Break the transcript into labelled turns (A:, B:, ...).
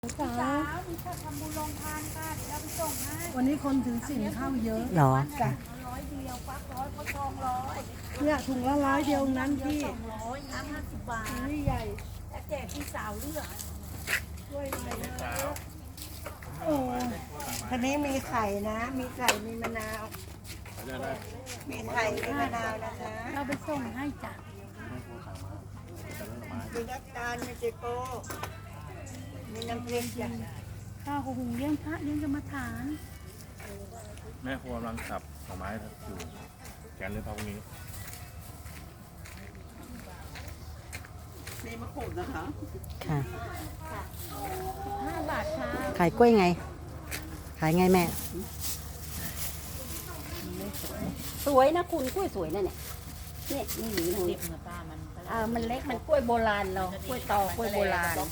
A: สาวมีชาทำบุญลงทานค่ะเดี๋ยวเราไปส่งให้วันนี้คนถือศีลเข้าเยอะ
B: หรอ
A: จ้ะ
C: 100 เดียวฟัก100เขาทอง100
A: เนี่ยถุงละ100เดียวนั้นพี่
C: 200น้ำ50 บาท
A: ถุงนี่ใหญ่
C: และแจกพี่สาวเลือก
A: ช่วยหน่อยนะโอ้
D: ทีนี้มีไข่นะ มีไข่ มีมะนาว มีไข่ มีมะนาวนะคะ
A: เราไปส่งให้จ้ะ
D: มีน้ำตาล มีเจโก้ มีน้ำพริกจ้ะ
A: ข้าวหุงเลี้ยงพระเลี้ยงกรรมฐาน
E: แม่ครัวกำลังสับหน่อไม้อยู่แกนเลยพวกนี้
D: มีมะกรูดนะคะ
B: ค่ะ
C: 5 บาทค่ะ
B: ขายกล้วยไง ขายไงแม่
C: สวยนะคุณกล้วยสวยนะเนี่ยนี่นี่หนีหนูมันเล็กมันกล้วยโบราณเรากล้วยตอกล้วยโบราณ